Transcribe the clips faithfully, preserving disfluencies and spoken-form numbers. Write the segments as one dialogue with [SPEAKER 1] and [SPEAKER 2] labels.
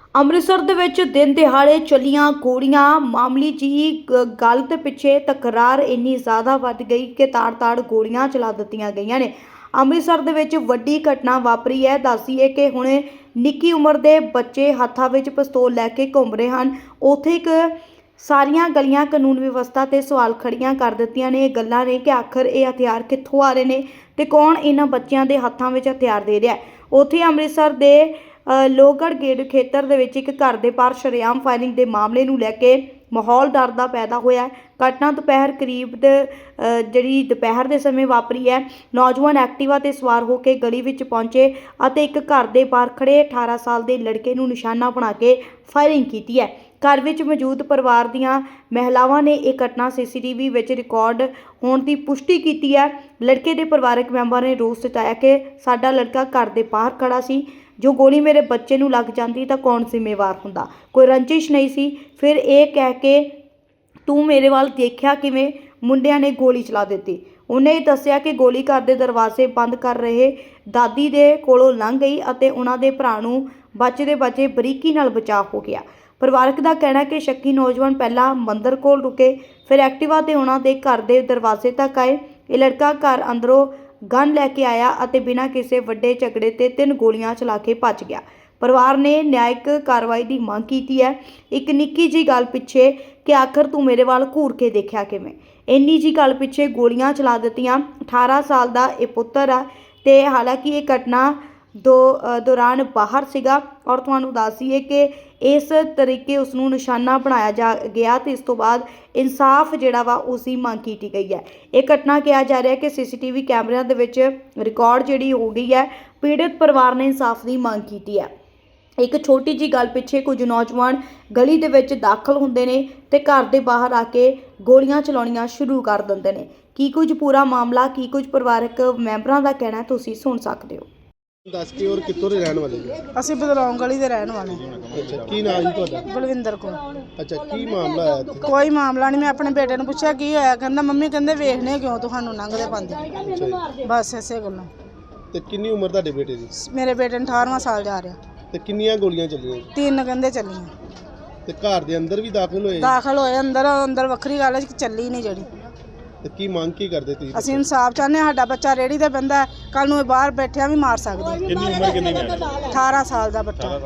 [SPEAKER 1] ਅੰਮ੍ਰਿਤਸਰ ਦੇ ਵਿੱਚ ਦਿਨ ਦਿਹਾੜੇ ਚੱਲੀਆਂ ਗੋਲੀਆਂ ਮਾਮੂਲੀ ਜਿਹੀ ਗ- ਗੱਲ ਦੇ ਪਿੱਛੇ ਤਕਰਾਰ ਇੰਨੀ ਜ਼ਿਆਦਾ ਵੱਧ ਗਈ ਕਿ ਤਾੜ-ਤਾੜ ਗੋਲੀਆਂ ਚਲਾ ਦਿੱਤੀਆਂ ਗਈਆਂ ਨੇ। ਅੰਮ੍ਰਿਤਸਰ ਦੇ ਵਿੱਚ ਵੱਡੀ ਘਟਨਾ ਵਾਪਰੀ ਹੈ। ਦੱਸੀਏ ਕਿ ਹੁਣ ਨਿੱਕੀ ਉਮਰ ਦੇ ਬੱਚੇ ਹੱਥਾਂ ਵਿੱਚ ਪਿਸਤੌਲ ਲੈ ਕੇ ਘੁੰਮ ਰਹੇ ਹਨ। ਉੱਥੇ ਇੱਕ ਸਾਰੀਆਂ ਗਲੀਆਂ ਕਾਨੂੰਨ ਵਿਵਸਥਾ ਤੇ ਸਵਾਲ ਖੜੀਆਂ ਕਰ ਦਿੱਤੀਆਂ ਨੇ। ਇਹ ਗੱਲਾਂ ਨੇ ਕਿ ਆਖਰ ਇਹ ਹਥਿਆਰ ਕਿੱਥੋਂ ਆ ਰਹੇ ਨੇ ਤੇ ਕੌਣ ਇਹਨਾਂ ਬੱਚਿਆਂ ਦੇ ਹੱਥਾਂ ਵਿੱਚ ਹਥਿਆਰ ਦੇ ਰਿਹਾ ਹੈ। ਉੱਥੇ ਅੰਮ੍ਰਿਤਸਰ ਦੇ ਅ, ਲੋਹਗੜ੍ਹ ਗੇਟ ਖੇਤਰ ਦੇ ਵਿੱਚ ਇੱਕ ਘਰ ਦੇ ਬਾਹਰ ਸ਼ਰੇਆਮ ਫਾਇਰਿੰਗ ਦੇ ਮਾਮਲੇ ਨੂੰ ਲੈ ਕੇ ਮਾਹੌਲ ਡਰ ਦਾ ਪੈਦਾ ਹੋਇਆ ਹੈ। ਘਟਨਾ ਦੁਪਹਿਰ ਕਰੀਬ ਦੇ ਅ, ਜਿਹੜੀ ਦੁਪਹਿਰ ਦੇ ਸਮੇਂ ਵਾਪਰੀ ਹੈ। ਨੌਜਵਾਨ ਐਕਟਿਵਾ ਤੇ ਸਵਾਰ ਹੋ ਕੇ ਗਲੀ ਵਿੱਚ ਪਹੁੰਚੇ ਅਤੇ ਇੱਕ ਘਰ ਦੇ ਬਾਹਰ ਖੜੇ ਅਠਾਰਾਂ ਸਾਲ ਦੇ ਲੜਕੇ ਨੂੰ ਨਿਸ਼ਾਨਾ ਬਣਾ ਕੇ ਫਾਇਰਿੰਗ ਕੀਤੀ ਹੈ। ਘਰ ਵਿੱਚ ਮੌਜੂਦ ਪਰਿਵਾਰ ਦੀਆਂ ਮਹਿਲਾਵਾਂ ਨੇ ਇਹ ਘਟਨਾ ਸੀਸੀਟੀਵੀ ਵਿੱਚ ਰਿਕਾਰਡ ਹੋਣ ਦੀ ਪੁਸ਼ਟੀ ਕੀਤੀ ਹੈ। ਲੜਕੇ ਦੇ ਪਰਿਵਾਰਕ ਮੈਂਬਰ ਨੇ ਰੋਸ ਜਤਾਇਆ ਕਿ ਸਾਡਾ ਲੜਕਾ ਘਰ ਦੇ ਬਾਹਰ ਖੜਾ ਸੀ, ਜੋ ਗੋਲੀ ਮੇਰੇ ਬੱਚੇ ਨੂੰ ਲੱਗ ਜਾਂਦੀ ਤਾਂ ਕੌਣ ਜ਼ਿੰਮੇਵਾਰ ਹੁੰਦਾ। ਕੋਈ ਰੰਜਿਸ਼ ਨਹੀਂ ਸੀ। ਫਿਰ ਇਹ ਕਹਿ ਕੇ ਤੂੰ ਮੇਰੇ ਵੱਲ ਦੇਖਿਆ ਕਿਵੇਂ, ਮੁੰਡਿਆਂ ਨੇ ਗੋਲੀ ਚਲਾ ਦਿੱਤੀ। ਉਹਨੇ ਇਹ ਦੱਸਿਆ ਕਿ ਗੋਲੀ ਘਰ ਦੇ ਦਰਵਾਜ਼ੇ ਬੰਦ ਕਰ ਰਹੇ ਦਾਦੀ ਦੇ ਕੋਲੋਂ ਲੰਘ ਗਈ ਅਤੇ ਉਹਨਾਂ ਦੇ ਭਰਾ ਨੂੰ ਬਚਦੇ ਬਚੇ ਬਰੀਕੀ ਨਾਲ ਬਚਾਅ ਹੋ ਗਿਆ। ਪਰਿਵਾਰਕ ਦਾ ਕਹਿਣਾ ਕਿ ਸ਼ੱਕੀ ਨੌਜਵਾਨ ਪਹਿਲਾਂ ਮੰਦਰ ਕੋਲ ਰੁਕੇ, ਫਿਰ ਐਕਟਿਵਾ ਤੇ ਉਹਨਾਂ ਦੇ ਘਰ ਦੇ ਦਰਵਾਜ਼ੇ ਤੱਕ ਆਏ। ਇਹ ਲੜਕਾ ਘਰ ਅੰਦਰੋਂ ਗਨ ਲੈ ਕੇ ਆਇਆ ਅਤੇ ਬਿਨਾਂ ਕਿਸੇ ਵੱਡੇ ਝਗੜੇ ਤੇ ਤਿੰਨ ਗੋਲੀਆਂ ਚਲਾ ਕੇ ਭੱਜ ਗਿਆ। ਪਰਿਵਾਰ ਨੇ ਨਿਆਇਕ ਕਾਰਵਾਈ ਦੀ ਮੰਗ ਕੀਤੀ ਹੈ। ਇੱਕ ਨਿੱਕੀ ਜੀ ਗੱਲ ਪਿੱਛੇ ਕਿ ਆਖਰ ਤੂੰ ਮੇਰੇ ਵੱਲ ਘੂਰ ਕੇ ਦੇਖਿਆ ਕਿਵੇਂ, ਇੰਨੀ ਜੀ ਗੱਲ ਪਿੱਛੇ ਗੋਲੀਆਂ ਚਲਾ ਦਿੱਤੀਆਂ। ਅਠਾਰਾਂ ਸਾਲ ਦਾ ਇਹ ਪੁੱਤਰ ਆ ਤੇ ਹਾਲਾਂਕਿ ਇਹ ਘਟਨਾ ਦੋ ਅ, ਦੌਰਾਨ ਬਾਹਰ ਸੀਗਾ ਔਰ ਤੁਹਾਨੂੰ ਦੱਸ ਦਈਏ ਕਿ ਇਸ ਤਰੀਕੇ ਉਸ ਨੂੰ ਨਿਸ਼ਾਨਾ ਬਣਾਇਆ ਜਾ ਗਿਆ ਤੇ ਇਸ ਤੋਂ ਬਾਅਦ ਇਨਸਾਫ ਜਿਹੜਾ ਵਾ ਉਸ ਦੀ ਮੰਗ ਕੀਤੀ ਗਈ ਹੈ। ਇਹ ਘਟਨਾ ਕਿਹਾ ਜਾ ਰਿਹਾ ਕਿ ਸੀਸੀਟੀਵੀ ਕੈਮਰਿਆਂ ਦੇ ਵਿੱਚ ਰਿਕਾਰਡ ਜਿਹੜੀ ਹੋ ਗਈ ਹੈ। ਪੀੜਤ ਪਰਿਵਾਰ ਨੇ ਇਨਸਾਫ ਦੀ ਮੰਗ ਕੀਤੀ ਹੈ। ਇੱਕ ਛੋਟੀ ਜੀ ਗੱਲ ਪਿੱਛੇ ਕੁਝ ਨੌਜਵਾਨ ਗਲੀ ਦੇ ਵਿੱਚ ਦਾਖਲ ਹੁੰਦੇ ਨੇ ਤੇ ਘਰ ਦੇ ਬਾਹਰ ਆ ਕੇ ਗੋਲੀਆਂ ਚਲਾਉਣੀਆਂ ਸ਼ੁਰੂ ਕਰ ਦਿੰਦੇ ਨੇ। ਕੀ ਕੁਝ ਪੂਰਾ ਮਾਮਲਾ, ਕੀ ਕੁਝ ਪਰਿਵਾਰਕ ਮੈਂਬਰਾਂ ਦਾ ਕਹਿਣਾ ਤੁਸੀਂ ਸੁਣ ਸਕਦੇ ਹੋ।
[SPEAKER 2] ਦੱਸ ਕੇ ਔਰ ਕਿੱਥੋਂ ਦੇ ਰਹਿਣ ਵਾਲੇ ਜੀ?
[SPEAKER 3] ਅਸੀਂ ਬਦਲੌਂ ਗਲੀ ਦੇ ਰਹਿਣ ਵਾਲੇ।
[SPEAKER 2] ਅੱਛਾ, ਕੀ ਨਾਮ ਜੀ ਤੁਹਾਡਾ?
[SPEAKER 3] ਬਲਵਿੰਦਰ ਕੌਰ।
[SPEAKER 2] ਅੱਛਾ, ਕੀ ਮਾਮਲਾ ਆਇਆ ਇੱਥੇ?
[SPEAKER 3] ਕੋਈ ਮਾਮਲਾ ਨਹੀਂ। ਮੈਂ ਆਪਣੇ ਬੇਟੇ ਨੂੰ ਪੁੱਛਿਆ ਕੀ ਹੋਇਆ, ਕਹਿੰਦਾ ਮੰਮੀ ਕਹਿੰਦੇ ਵੇਖਨੇ ਕਿਉਂ ਤੁਹਾਨੂੰ ਲੰਘਦੇ ਪਾਉਂਦੇ।
[SPEAKER 2] ਅੱਛਾ ਜੀ।
[SPEAKER 3] ਬਸ ਇਸੇ ਗੱਲੋਂ।
[SPEAKER 2] ਤੇ ਕਿੰਨੀ ਉਮਰ ਤੁਹਾਡੇ ਬੇਟੇ ਦੀ?
[SPEAKER 3] ਮੇਰੇ ਬੇਟੇ ਨੂੰ ਅਠਾਰਵਾਂ ਸਾਲ ਜਾ ਰਿਹਾ।
[SPEAKER 2] ਤੇ ਕਿੰਨੀਆਂ ਗੋਲੀਆਂ ਚੱਲੀਆਂ?
[SPEAKER 3] ਤਿੰਨ ਕਹਿੰਦੇ ਚੱਲੀਆਂ।
[SPEAKER 2] ਤੇ ਘਰ ਦੇ ਅੰਦਰ ਵੀ ਦਾਖਲ ਹੋਏ?
[SPEAKER 3] ਦਾਖਲ ਹੋਏ ਅੰਦਰ। ਅੰਦਰ ਵੱਖਰੀ ਗੱਲ ਹੈ ਕਿ ਚੱਲੀ ਨਹੀਂ ਜਿਹੜੀ।
[SPEAKER 2] ਤੇ ਕੀ ਮੰਗ ਕੀ ਕਰਦੇ ਤੁਸੀਂ?
[SPEAKER 3] ਅਸੀਂ ਇਨਸਾਫ ਚਾਹੁੰਦੇ ਹਾਂ। ਸਾਡਾ ਬੱਚਾ ਰੇੜੀ ਤੇ ਬੰਦਾ, ਕੱਲ ਨੂੰ ਇਹ ਬਾਹਰ ਬੈਠਿਆ ਵੀ ਮਾਰ ਸਕਦਾ।
[SPEAKER 2] ਕਿੰਨੀ ਉਮਰ ਕਿੰਨੀ ਹੈ?
[SPEAKER 3] ਅਠਾਰਾਂ ਸਾਲ ਦਾ ਬੱਚਾ।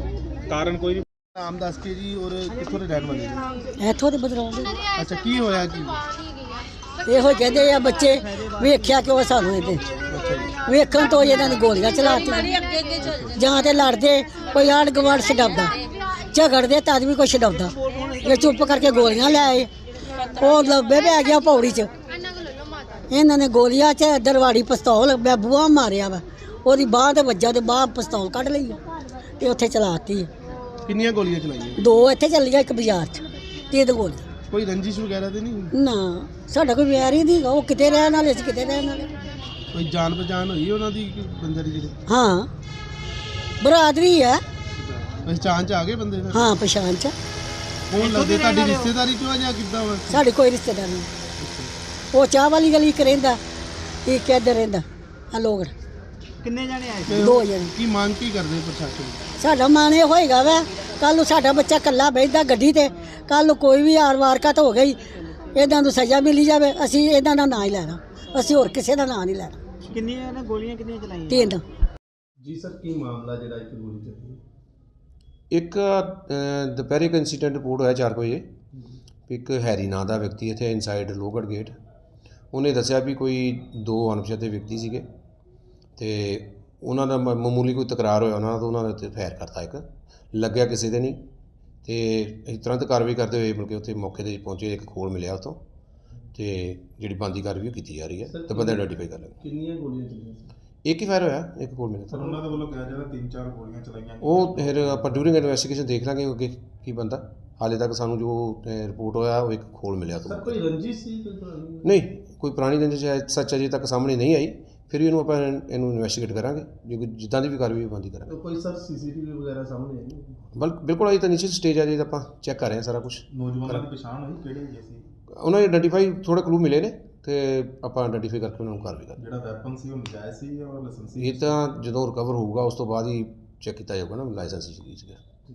[SPEAKER 2] ਕਾਰਨ ਕੋਈ ਨਹੀਂ। ਨਾਮ ਦੱਸ ਕੇ ਜੀ ਔਰ ਕਿੱਥੋਂ ਦੇ ਰਹਿਣ ਵਾਲੇ ਜੀ?
[SPEAKER 4] ਇੱਥੋਂ ਦੇ ਬਦਲਾਉਂ ਦੇ
[SPEAKER 2] ਅੱਛਾ, ਕੀ ਹੋਇਆ ਕੀ?
[SPEAKER 4] ਇਹੋ ਕਹਿੰਦੇ ਆ ਬੱਚੇ, ਵੇਖਿਆ ਕਿਉਂ ਸਾਨੂੰ ਇਹਦੇ
[SPEAKER 2] ਅੱਛਾ ਜੀ।
[SPEAKER 4] ਵੇਖਣ ਤੋਂ ਇਹਨਾਂ ਨੇ ਗੋਲੀਆਂ ਚਲਾਤੀਆਂ। ਜਾਂ ਤੇ ਲੜਦੇ ਕੋਈ ਆੜ ਗਵਾੜ ਛਡਾਉਂਦਾ, ਝਗੜਦੇ ਤਦ ਵੀ ਕੋਈ ਛਡਾਉਂਦਾ। ਇਹ ਚੁੱਪ ਕਰਕੇ ਗੋਲੀਆਂ ਲੈ ਆਏ। ਉਹ ਲੱਭੇ ਪੈ ਗਿਆ ਪੌੜੀ 'ਚ। ਇਹਨਾਂ ਨੇ ਗੋਲੀਆਂ 'ਚ ਦਰਵਾੜੀ ਪਿਸਤੌਲ ਮੈਂ ਬੂਹਾ ਮਾਰਿਆ ਵਾ, ਉਹਦੀ ਬਾਂਹ ਤੇ ਵੱਜਾ ਤੇ ਬਾਂਹ ਪਿਸਤੌਲ ਕੱਢ ਲਈ ਆ ਤੇ ਉੱਥੇ ਚਲਾਤੀ।
[SPEAKER 2] ਕਿੰਨੀਆਂ ਗੋਲੀਆਂ ਚਲਾਈਆਂ?
[SPEAKER 4] ਦੋ ਇੱਥੇ ਚੱਲੀਆਂ, ਇੱਕ ਬਾਜ਼ਾਰ 'ਚ। ਤਿੰਨ ਗੋਲੀਆਂ।
[SPEAKER 2] ਕੋਈ ਰੰਜਿਸ਼ ਵਗੈਰਾ ਤੇ ਨਹੀਂ?
[SPEAKER 4] ਨਾ, ਸਾਡਾ ਕੋਈ ਵਿਆਹ ਹੀ ਨਹੀਂ। ਉਹ ਕਿਤੇ ਰਹਿਣ ਵਾਲੇ ਸੀ, ਕਿਤੇ ਰਹਿਣ ਵਾਲੇ।
[SPEAKER 2] ਕੋਈ ਜਾਣ ਪਛਾਣ ਹੋਈ ਉਹਨਾਂ ਦੀ ਬੰਦੇ ਦੀ ਜਿਹੜੇ?
[SPEAKER 4] ਹਾਂ, ਬਰਾਦਰੀ ਹੈ।
[SPEAKER 2] ਪਛਾਣ ਚ ਆ ਗਏ ਬੰਦੇ? ਫਿਰ
[SPEAKER 4] ਹਾਂ, ਪਛਾਣ ਚ।
[SPEAKER 2] ਕੌਣ ਲੱਗਦੇ? ਤੁਹਾਡੀ ਰਿਸ਼ਤੇਦਾਰੀ ਚੋਂ ਆ ਜਾਂ ਕਿੱਦਾਂ ਵਾ?
[SPEAKER 4] ਸਾਡੇ ਕੋਈ ਰਿਸ਼ਤੇਦਾਰ ਨਹੀਂ। ਉਹ ਚਾਹ ਵਾਲੀ ਗਲੀ ਇੱਕ ਰਹਿੰਦਾ, ਇੱਕ ਇੱਧਰ ਰਹਿੰਦਾ ਆ ਲੋਗੜ।
[SPEAKER 3] ਕਿੰਨੇ ਜਾਣੇ ਆਏ?
[SPEAKER 2] ਤੇ
[SPEAKER 4] ਦੋ ਜਣੇ।
[SPEAKER 2] ਕੀ ਮੰਗ ਕੀ ਕਰਦੇ ਪ੍ਰਸ਼ਾਸਨ?
[SPEAKER 4] ਸਾਡਾ ਮਨ ਇਹ ਹੋਏਗਾ ਵਾ ਕੱਲ ਨੂੰ ਸਾਡਾ ਬੱਚਾ ਇਕੱਲਾ ਬੈਠਦਾ ਗੱਡੀ ਤੇ, ਕੱਲ ਨੂੰ ਕੋਈ ਵੀ ਆਰ ਵਾਰਕਤ ਹੋ ਗਈ, ਇਹਨਾਂ ਨੂੰ ਸਜ਼ਾ ਮਿਲੀ ਜਾਵੇ। ਅਸੀਂ ਇਹਨਾਂ ਦਾ ਨਾਂ ਹੀ ਲੈਣਾ, ਅਸੀਂ ਹੋਰ ਕਿਸੇ ਦਾ ਨਾਂ ਨਹੀਂ ਲੈਣਾ।
[SPEAKER 3] ਕਿੰਨੀਆਂ ਨੇ ਗੋਲੀਆਂ ਕਿੰਨੀਆਂ ਚਲਾਈਆਂ?
[SPEAKER 4] ਤਿੰਨ।
[SPEAKER 2] ਜੀ ਸਰ, ਕੀ ਮਾਮਲਾ ਜਿਹੜਾ ਇੱਕ ਗੋਲੀ ਚੱਲੀ?
[SPEAKER 5] ਇੱਕ ਅ, ਦੁਪਹਿਰੇ ਇੱਕ ਇੰਸੀਡੈਂਟ ਰਿਪੋਰਟ ਹੋਇਆ ਚਾਰ ਕੁ ਵਜੇ। ਇੱਕ ਹੈਰੀ ਨਾਂ ਦਾ ਵਿਅਕਤੀ ਇੱਥੇ ਇਨਸਾਈਡ ਲੋਹਗੜ੍ਹ ਗੇਟ, ਉਹਨੇ ਦੱਸਿਆ ਵੀ ਕੋਈ ਦੋ ਅਣਪਛਾਤੇ ਵਿਅਕਤੀ ਸੀਗੇ ਤੇ ਉਹਨਾਂ ਦਾ ਮ- ਮਾਮੂਲੀ ਕੋਈ ਤਕਰਾਰ ਹੋਇਆ ਉਹਨਾਂ ਦਾ, ਤਾਂ ਉਹਨਾਂ ਦੇ ਉੱਤੇ ਫਾਇਰ ਕਰਤਾ। ਇੱਕ ਲੱਗਿਆ ਕਿਸੇ ਦੇ ਨਹੀਂ ਤੇ ਅਸੀਂ ਤੁਰੰਤ ਕਾਰਵਾਈ ਕਰਦੇ ਹੋਏ ਮਿਲ ਕੇ ਉੱਥੇ ਮੌਕੇ 'ਤੇ ਪਹੁੰਚੇ। ਇੱਕ ਖੋਲ ਮਿਲਿਆ ਉੱਥੋਂ ਤੇ ਜਿਹੜੀ ਬਣਦੀ ਕਾਰਵਾਈ ਉਹ ਕੀਤੀ ਜਾ ਰਹੀ ਹੈ ਤੇ ਬੰਦੇ ਆਈਡੈਂਟੀਫਾਈ ਕਰ ਲਾਂਗੇ।
[SPEAKER 2] ਕਿੰਨੀਆਂ ਗੋਲੀਆਂ ਚੱਲੀਆਂ?
[SPEAKER 5] ਇੱਕ ਹੀ ਫਾਇਰ ਹੋਇਆ, ਇੱਕ ਖੋਲ ਮਿਲਿਆ।
[SPEAKER 6] ਸਰ ਉਹਨਾਂ ਦੇ ਵੱਲੋਂ ਕਿਹਾ ਜਾ ਰਿਹਾ ਤਿੰਨ ਚਾਰ ਗੋਲੀਆਂ ਚਲਾਈਆਂ।
[SPEAKER 5] ਉਹ ਫਿਰ ਆਪਾਂ ਡਿਊਰਿੰਗ ਇਨਵੈਸਟੀਗੇਸ਼ਨ ਦੇਖ ਲਾਂਗੇ ਅੱਗੇ ਕੀ ਬੰਦਾ। ਹਾਲੇ ਤੱਕ ਸਾਨੂੰ ਜੋ ਰਿਪੋਰਟ ਹੋਇਆ ਉਹ ਇੱਕ ਖੋਲ ਮਿਲਿਆ ਤੋਂ।
[SPEAKER 2] ਸਰ, ਕੋਈ ਰੰਜਿਸ਼ ਸੀ ਕੋਈ ਪੁਰਾਣੀ?
[SPEAKER 5] ਨਹੀਂ, ਕੋਈ ਪੁਰਾਣੀ ਰੰਜਿਸ਼ ਸੱਚ ਅਜੇ ਤੱਕ ਸਾਹਮਣੇ ਨਹੀਂ ਆਈ। ਫਿਰ ਵੀ ਇਹਨੂੰ ਆਪਾਂ ਇਹਨੂੰ ਇਨਵੈਸਟੀਗੇਟ ਕਰਾਂਗੇ, ਜੇ ਕੋਈ ਜਿੱਦਾਂ ਦੀ ਵੀ ਕਾਰਵਾਈ ਬੰਦੀ ਕਰਾਂਗੇ।
[SPEAKER 2] ਕੋਈ ਸਰ ਸੀਸੀਟੀਵੀ ਵਗੈਰਾ ਸਾਹਮਣੇ ਆਈ?
[SPEAKER 5] ਬਲ ਬਿਲਕੁਲ ਅਜੇ ਤਾਂ ਨੀਚੇ ਸਟੇਜ ਆ, ਜੇ ਆਪਾਂ ਚੈੱਕ ਕਰ ਰਹੇ ਹਾਂ ਸਾਰਾ ਕੁਝ।
[SPEAKER 6] ਨੌਜਵਾਨਾਂ ਦੀ ਪਛਾਣ ਹੋਈ ਕਿਹੜੇ ਹੈਗੇ ਸੀ?
[SPEAKER 5] ਉਹਨਾਂ ਨੇ ਆਈਡੈਂਟੀਫਾਈ ਥੋੜ੍ਹੇ ਕਲੂ ਮਿਲੇ ਨੇ ਤੇ ਆਪਾਂ ਆਈਡੈਂਟੀਫਾਈ ਕਰਕੇ ਉਹਨਾਂ ਨੂੰ ਕਾਰਵਾਈ ਕਰਾਂਗੇ।
[SPEAKER 6] ਜਿਹੜਾ ਵੈਪਨ ਸੀ ਉਹ ਨਜਾਇਜ਼ ਸੀ ਜਾਂ ਲਾਇਸੈਂਸੀ?
[SPEAKER 5] ਇਹ ਤਾਂ ਜਦੋਂ ਰਿਕਵਰ ਹੋਊਗਾ ਉਸ ਤੋਂ ਬਾਅਦ ਹੀ ਚੈੱਕ ਕੀਤਾ ਜਾਊਗਾ ਨਾ ਲਾਇਸੈਂਸ ਸੀਗਾ।